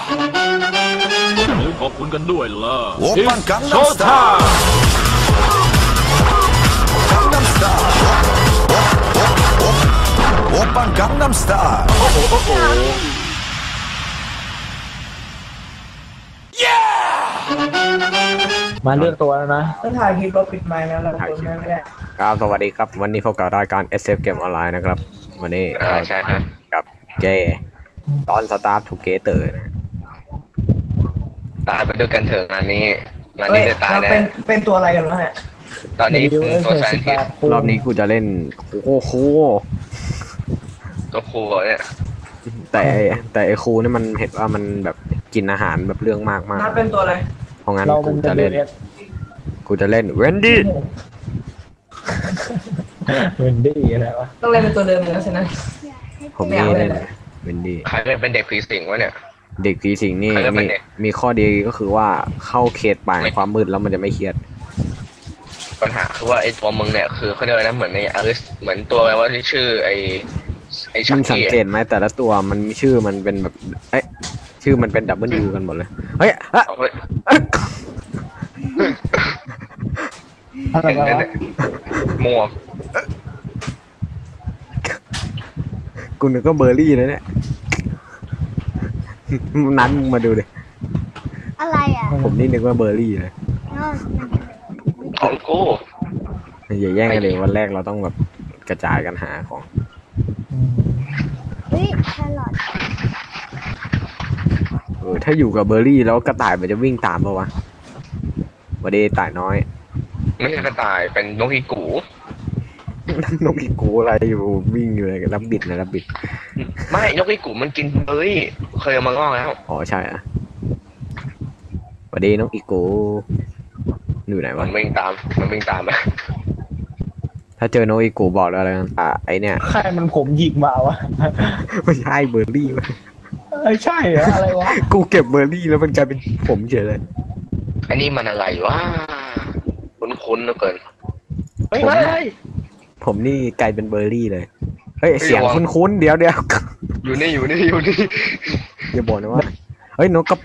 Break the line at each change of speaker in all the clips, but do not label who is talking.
อย่าลืมขอบคุณกันด้วยล่ะ
Oppan Gangnam
โชว์ท่า
Gangnam Style Oppan Gangnam Style
โอ้โหโอ้โห
มาเลือกตัวแล้วนะ
ต้องถ่ายคลิปเราปิดไมค์แล้วเราเปิดไมค์ไม่ได้
ครับสวัสดีครับวันนี้พบกับรายการ SF Game Online นะครับวันนี้
ใช่ครับ
กับเจตอน Start Together นะ
ตายไปด้วยกันเถอะงานนี้
เฮ้ย
จะตาย
เรา
แน่
เป็นตัวอะไรกันวะเนี่ย
ตอนนี้ตัวแซนทิส
รอบนี้กูจะเล่นโอ้โห
ตัวครูเนี่ย
แต่ไอ้ครูนี่มันเห็นว่ามันแบบกินอาหารแบบเรื่องมากมาก
นัดเป็นตัวอะไร
เพราะงั้น
เรา
กู
เป็น
จะเล่น
WS
เวนดี้
เวนดี้อะไรวะ
ต้องเล่นเป็นตัวเดิมแล้วใช่ไหม
ผมนี่เล่นเวนดี้
ใครเป็นเด็กผีสิงวะเนี่ย
เด็กผีสิงนี่
ใครจะเป็
มี
นเด็ก
มีข้อดีก็คือว่าเข้าเขตป่าแห่งความมืดแล้วมันจะไม่เครียด
ปัญหาคือว่าไอ้ตัวมึงเนี่ยคือเขาเรียกอะไรนะเหมือนในอลิสเหมือนตัวอะไรว่าที่ชื่อไอ้ชั
มึ
ก
งสัง
กี้
เกตไหมแต่ละตัวมันมีชื่อมันเป็นแบบเอ๊ะชื่อมันเป็นดับเบิลยูกันหมดเลยเฮ้ยอะ
เอาไว้
เอ๊ะ
อะไร
เห็น
วะ
เนี่ยหมวก
กูนึกก็เบอร์รี่เลยเนี่ยนั้นมึงมาดูดิ
อะไรอ่ะ
ผมนี่นึกว่าเบอร์รี่เลย
นอกมัน
ของกู
อย่าแย่งกันเลยวันแรกเราต้องแบบกระจายกันหาของ
เฮ้ยแครอท
ถ้าอยู่กับเบอร์รี่แล้วกระต่ายมันจะวิ่งตามปะวะวันดีต่ายน้อย
ไม่ใช่กระต่ายเป็นนกอีกู
นกอีกูอะไรอยู่วิ่งอยู่เลยรับบิดนะรับบิด
ไม่นกอีกูมันกินเฮ้ยเคยเอามางอกแล้ว
อ๋อใช่อะวันดีนกอีกูอยู่ไหน
มั
วะ
นวิ่งตามไป
ถ้าเจอโนอีกูบอกแล้วกันไอเนี่ย
ใครมันผมหยิกมาวะ
ไม่ใช่เบอร์รี่เว้ย
ใช่เหรออะไรวะ
กูเก็บเบอร์รี่แล้วมันกลายเป็นผมเฉยเลย
อันนี้มันอะไรวะคุ้นๆเหลือเกิน
เฮ้ยเฮ้ย
ผมนี่กลายเป็นเบอร์รี่เลยเฮ้ย
เฮ้ย
เสียง
ระวัง
คุ้นๆเดี๋ยว
อยู่นี่
อย่าบอกนะว่าเฮ้ยนกกระปู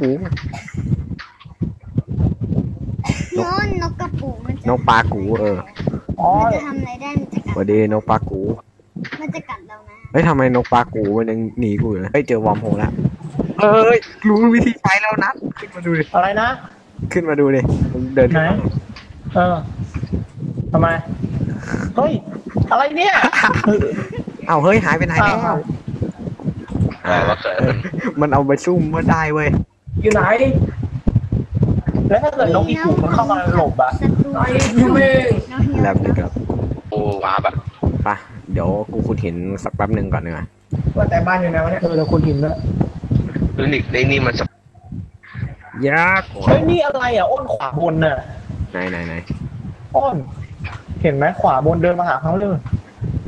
โน้นนกกระปูมัน
นกปลากู
อ๋อ
มันจะทำอะไรได้มันจะกัด
วันดีนกปลากู
มันจะกัดเรานะ
เฮ้ยทำไมนกปลากูมันยังหนีกูอยู่เลยเฮ้ยเจอวอร์มโฮลแล้วเฮ้ยรู้วิธีใช้แล้วนะขึ้นมาดูดิ
อะไรนะ
ขึ้นมาดูดิมึงเดิน
ไหน เออทำไม เฮ้ย อะไรเนี่ย
เอ้าเฮ้ยหายไปไหนแล้ว
อ้าว
ว่าเกิด
มันเอาไปซุ่มมาได้เว้ย
อยู่ไหน
แล้วถ้าเกิดนกอีกูมันเข้ามาหลบอะ
ศัตรู
ไอ้ยูเมง
น้องเฮีย
แล้วนึงครับ
โอ้ว้าแบบ
ไปเดี๋ยวกูขุดหินสักแป๊บหนึ่งก่อนเนีกว่ย
ว่าแต่บ้านอยู่ไหนวะเนี่ย
แล้วคุณหินด้วย
ดูนี่มัน
ยาก
เฮ้ยนี่อะไรอ่ะอ้นขวาบนน่ะ
ไหน
อ้น เห็นไหมขวาบนเดินมาหาเขาเลย
ไหน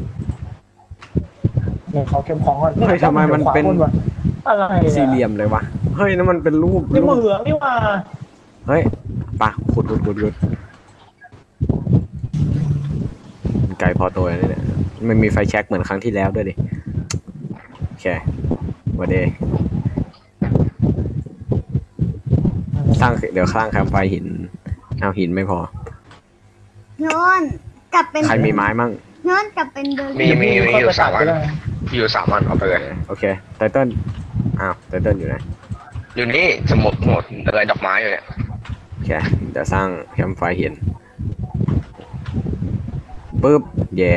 เนี่ยเขาเก็บของก่อน
เฮ้ยทำไมมันเป็น
ขวาบวะอะไรอะ
สี่เหลี่ยมเลยวะเฮ้ยนั่นมันเป็นรูป
นี่มือนี่ว่า
เฮ้ยไปขุดไกลพอตัวนี่เนี่ยมันมีไฟแช็กเหมือนครั้งที่แล้วด้วยดิโอเควันเดย์สร้างเดี๋ยวสร้างแคมป์ไฟหินเอาหินไม่พอ
โน้นกลับเป็น
ใครมีไม้มั่ง
โน้นกลับเป็นเบอร์
มี
รี่
อยู่สามอัน
ก็ได้
อยู่สามอันเอาไปเลย
โอเคไตเติ้ลอ้าวไตเติ้ลอยู่ไหน
อยู่นี่สมุดหมดอะไรดอกไม้อยู่เนี่ย
โอเคเดี๋ยวสร้างแคมป์ไฟหินปึ๊บแย่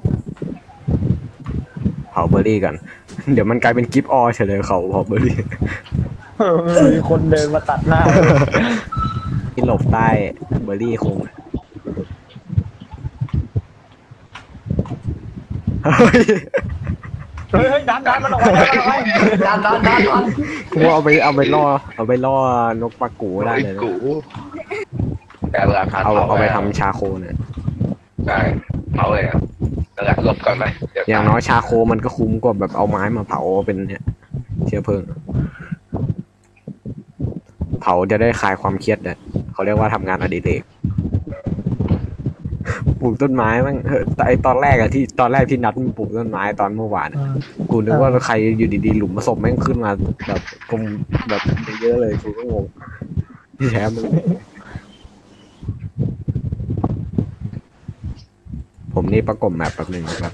เผาเบอร์รี่กัน เดี๋ยวมันกลายเป็นกิฟต์ออเฉยเลยเขาเผาเบอร์รี่
มีคนเดินมาตัดหน้า
ที่หลบใต้เบอร์รี่คงเฮ้ย
เฮ้ยดันมันออกไปดัน
กูเอาไปล่อนกปลากูได้เลยนะ
กูแต่เวลาพา
เอาไปทำชาโคเนี่ย
ได้เอาเลยอ่ะแล้วหลบก่อนไปเดี๋ยว
อย่างน้อยชาโคมันก็คุ้มกว่าแบบเอาไม้มาเผาเป็นเนี่ยเชื้อเพลิงเผาจะได้คลายความเครียดเนี่ยเขาเรียกว่าทำงานอดิเรกลูกต้นไม้มั้งแต่ไอตอนแรกอะที่นัดมันปลูกต้นไม้ตอนเมื่อวาน
เอ
อะ
อ
กูนึกว่าใครอยู่ดีๆหลุมศพแม่งขึ้นมาแบบกลมแบบเยอะเลยกูก็งงที่แท้มึงผมนี่ประกบแมปแป๊บหนึงนะครับ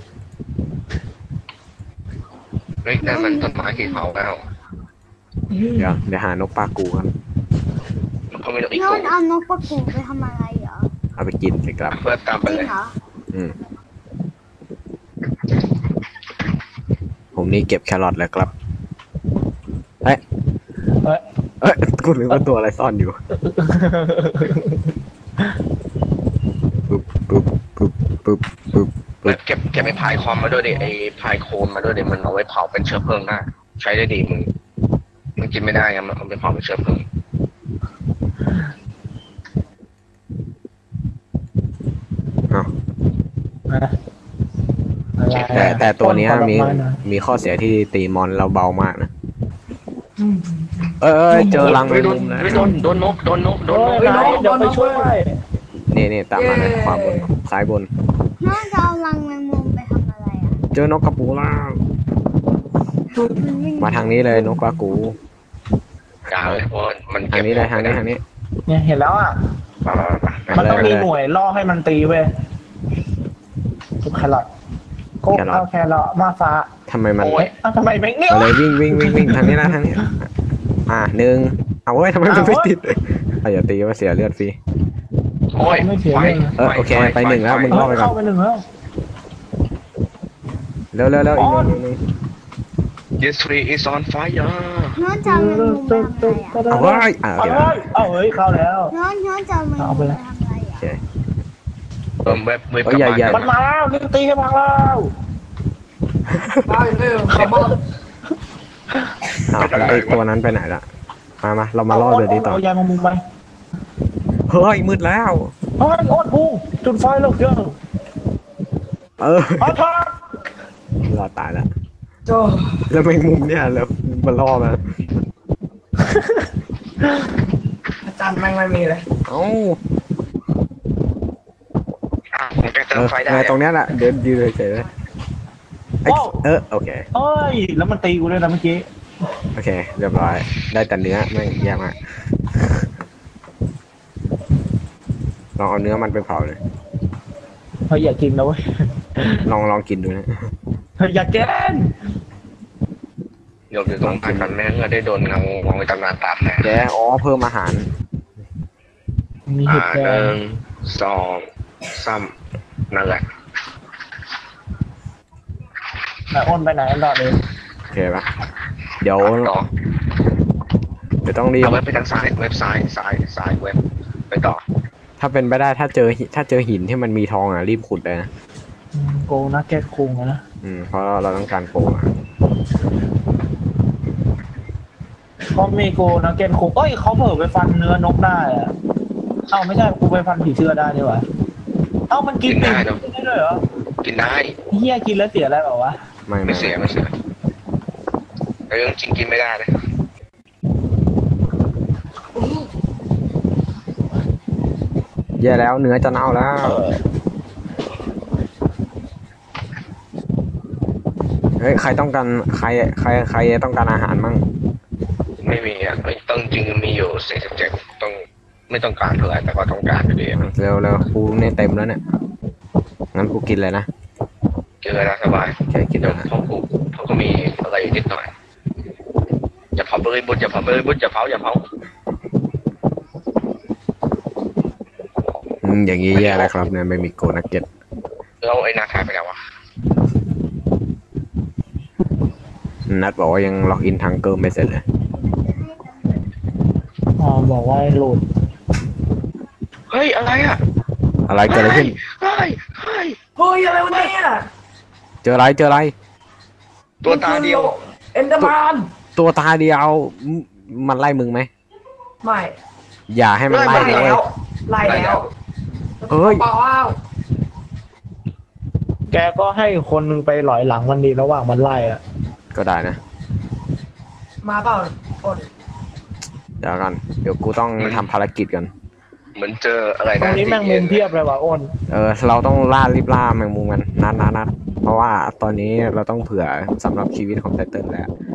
เฮ้ยนั่นมันต้นไม้ที่เผาแล้ว
เดี๋ยวหานกปลากูกัน
เขาไม่ต้องอีก
โย
ตัวน
เอานกประกูไปทำอะไรเหรอ
เอาไปกินสิครับ
เพื่อตามไป
จริง
เลย
เหรอ
อืมผมนี่เก็บแครอทแล้วครับเอ้ย
เอ้ย
เอ้ยกูนึกว่าตัวอะไรซ่อนอยู่ปึ๊บปึ๊บปึ๊บปึ๊บปึ๊บ
เก็บไอ้พายคอมมาด้วยดิไอ้พายโคนมาด้วยดิมันเอาไว้เผาเป็นเชื้อเพลิงได้ใช้ได้ดีมึงกินไม่ได้ไงมันเอาไปเผาเป็นเชื้อเพลิง
เอ้า
นะอะไร
แต่ตัวเนี้ย
ผล
มี
ไนะ
มีข้อเสียที่ตีมอนเราเบามากนะเอ้ยเจอรังแมงมุมแล้ว
โดนนก
โอ้ยไหนเดี๋ยวไปช่วย
นี่ตามมาเลยขวาบนซ้ายบน
น้องจะเอารังแมงมุมไปทำอะไรอ่ะ
เจอนกกระปูล่า
มันวิ่ง
มาทางนี้เลยนกกระกู
อย่าเลยเพราะมัน
ทางนี้เลยทางนี้
เนี่ยเห็นแล้วอ่ะ มันต้องมีหน่วยล่อให้มันตีเว้ยทุกแครอทโก็เอาแครอทมาฟ้า
ทำไมมัน
เอ้ยทำไมแม่งเนี่ย
มาเลยวิ่งทางนี้นะทางนี้หนึ่งเอาเว้ยทำไมมันไม่ติดอย่าตีว่าเสียเลือดฟรี
โอ้ย
ไม่เสีย
ไฟ
เลย
โอเคไปหนึ่งแล้วมึง
เข้าไปหนึ่งแล้ว
เร็วอีกหนึ่ง
This tree is on fire
น้องจะเอาแมงมุมไปทำอะไรอ่ะ
เอาเว้ย
เอาเฮ้ยเข้าแล้ว
น้องจะเอาแมงมุมไปทำอะไรอ่ะ
เว็บกลับบ้าน
มันมาแล้วเล่นตีให้พังแล้ว
ได้เร็วขับบ้าน
ไอตัวนั้นไปไหนละมาเรามาล่อเดี๋ยวนี้ต่อ
เอายางมุมไป
เฮ้ยมืดแล้ว
เฮ้ยโอ๊ตพุงจุดไฟแล้วเยอะ เอาทอด
รอดตายแล้ว
โจ้
แล้วแมงมุมเนี่ยแล้วมันล่อมา
อาจารย์แม่งไม่มีเลย
เอ้า
ผมจะเติมไฟได้
ตรงเนี้ยแหละเดินยืนเฉยเลยโอเค
เอ้ยแล้วมันตีกูเลยนะเมื่อกี้
โอเคเรียบร้อยได้แต่เนื้อไม่แย่มากลองเอาเนื้อมันไปเผาเลย
เฮ้ยอยากกินนะเว้ย
ลองกินดูนะ
เฮ้ยอยากกิน
เดี๋ยวตรงผ่านกันแม่งก็ได้โดนเงามองไปตำนานตามแน่
แกเพิ่มอาหาร
มีเห็ดแด
หนึ่
ง
งสองสามนั่นแหละ
ไหนอ้นไปไหนต่อเลย
โอเคปะเดี๋ยว
ต่อ
ต้องรีบ
เอาเว็บไปทางซ้ายเว็บซ้ายเว็บไปต่อ
ถ้าเป็นไปได้ถ้าเจอหินที่มันมีทองรีบขุดเลยนะ
โกนักเก็ตคุงนะ
เพราะเราต้องการโกง
เขามีโกนักเก็ตคุงเอ้ยเขาเผลอไปฟันเนื้อนกได้อะเอ้าไม่ใช่กูไปฟันผีเสื้อได้นี่หว่าเอ้ามันกินได้ด้วยเหรอ
กินได้
เฮียกินแล้วเสียอะไรเปล่าวะ
ไม่เสียแต่เรื่องจริงกินไม่ได้เลย
แย่แล้วเนื้อจะเน่าแล้วเฮ้ยใครต้องการใครต้องการอาหารมั่ง
ไม่มีอ่ะต้องจริงมีอยู่47ต้องไม่ต้องการเท่าไหร่แต่ก็ต้องการอยู่ดี
เร็วกูเนี่ยเต็มแล้วเนี่ยงั้นกูกินเลยนะ
กินเลยนะสบาย
โอเคกิน
เดี๋
แล้
ยว
วนะ
เขาก็มีอะไรอยู่นิดหน่อยอย่าเผาเลยบุญอย่าเผาอย่าเผา
อย่างนี้แย่แล้วครับเนี่ยไม่มีโกนักเก็ต
แล้วไอ้นาคายไปแล้ววะ
นัดบอกว่ายังล็อกอินทางเกิร์ไม่เสร็จเลย
อ๋อบอกว่าให้โหลด
เฮ้ยอะไรอ่ะ
อะไรเกิดอะไรขึ้น
เฮ้ย
เฮ้ยอะไรวะเนี่ย
เจออะไร
ตัวตาเดียว
เอ็นเดอร์แมน
ตัวตาเดียวมันไล่มึงไหม
ไม่
อย่าให้มันไล่
ไล่
เลย
แล้วไล่แล้ว
เฮ้ย
เปล่า
แกก็ให้คนนึงไปหลอยหลังมันดีระหว่างมันไล่อะ
ก็ได้นะ
มาเปล่าอด
เดี๋ยวกันเดี๋ยวกูต้องทำภารกิจกัน
เหมือนเจออะไร
ตร
นะ
งนี้แมงมุมเพียบเลยว่ะอ้น
เราต้องรีบล่าแมงมุมกันนัดเพราะว่าตอนนี้เราต้องเผื่อสำหรับชีวิตของไตเติ้ลแล้ว